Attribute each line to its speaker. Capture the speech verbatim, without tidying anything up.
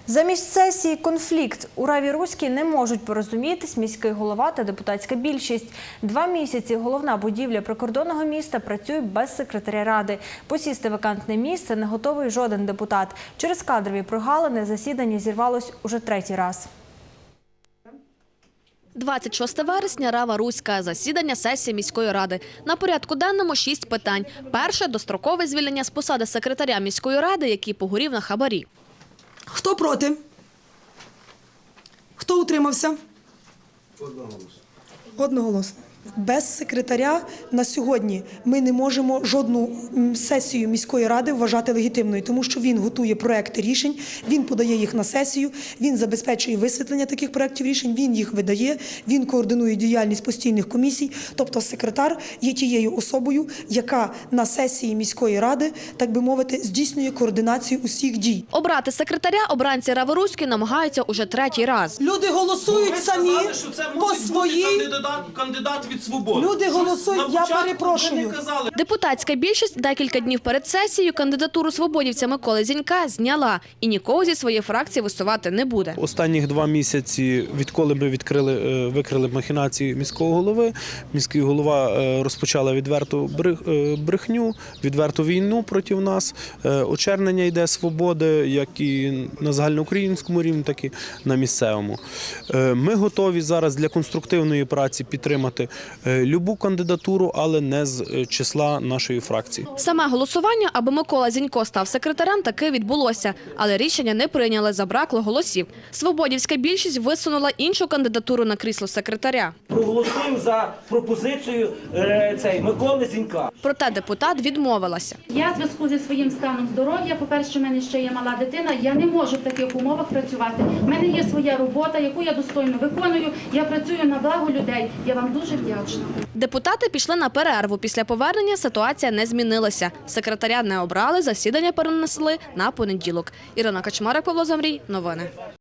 Speaker 1: Замість сесії конфлікт. У Раві Руській не можуть порозумітись міський голова та депутатська більшість. Два місяці головна будівля прикордонного міста працює без секретаря ради. Посісти вакантне місце не готовий жоден депутат. Через кадрові прогалини засідання зірвалось уже третій раз.
Speaker 2: двадцять шостого вересня, Рава Руська. Засідання сесії міської ради. На порядку денному шість питань. Перше – дострокове звільнення з посади секретаря міської ради, який погорів на хабарі.
Speaker 3: Хто проти? Хто утримався? Одноголосно. Одноголосно. Без секретаря на сьогодні ми не можемо жодну сесію міської ради вважати легітимною, тому що він готує проекти рішень, він подає їх на сесію, він забезпечує висвітлення таких проектів рішень, він їх видає, він координує діяльність постійних комісій. Тобто секретар є тією особою, яка на сесії міської ради, так би мовити, здійснює координацію усіх дій.
Speaker 2: Обрати секретаря обранці Рави Руської намагаються уже третій раз.
Speaker 3: Люди голосують
Speaker 4: Ви
Speaker 3: самі
Speaker 4: сказали, що це
Speaker 3: по
Speaker 4: мусить бути
Speaker 3: своїй...
Speaker 4: кандидат, кандидат від «Свободи».
Speaker 3: Люди голосують,
Speaker 4: Щось
Speaker 3: я
Speaker 4: на початку
Speaker 3: перепрошую.
Speaker 4: ви не казали.
Speaker 2: Депутатська більшість декілька днів перед сесією кандидатуру свободівця Миколи Зінька зняла і нікого зі своєї фракції висувати не буде.
Speaker 5: Останніх два місяці, відколи ми відкрили, викрили махінації міського голови, міський голова розпочала відверту брехню, відверту війну проти нас. Очернення йде свободи, як і на загальноукраїнському рівні, так і на місцевому. Ми готові зараз для конструктивної праці підтримати любу кандидатуру, але не з числа нашої фракції.
Speaker 2: Саме голосування, аби Микола Зінько став секретарем, таки відбулося. Але рішення не прийняли, забракло голосів. Свободівська більшість висунула іншу кандидатуру на крісло секретаря.
Speaker 6: Проголосуємо за пропозицію е, цей, Миколи Зінька.
Speaker 2: Проте депутат відмовилася.
Speaker 7: Я в зв'язку зі своїм станом здоров'я, по-перше, в мене ще є мала дитина, я не можу в таких умовах працювати. У мене є своя робота, яку я достойно виконую, я працюю на благо людей. Я вам дуже вдячна.
Speaker 2: Депутати пішли на перерву. Після повернення ситуація не змінилася. Секретаря не обрали, засідання перенесли на понеділок. Ірина Качмарик, Павло Замрій. Новини.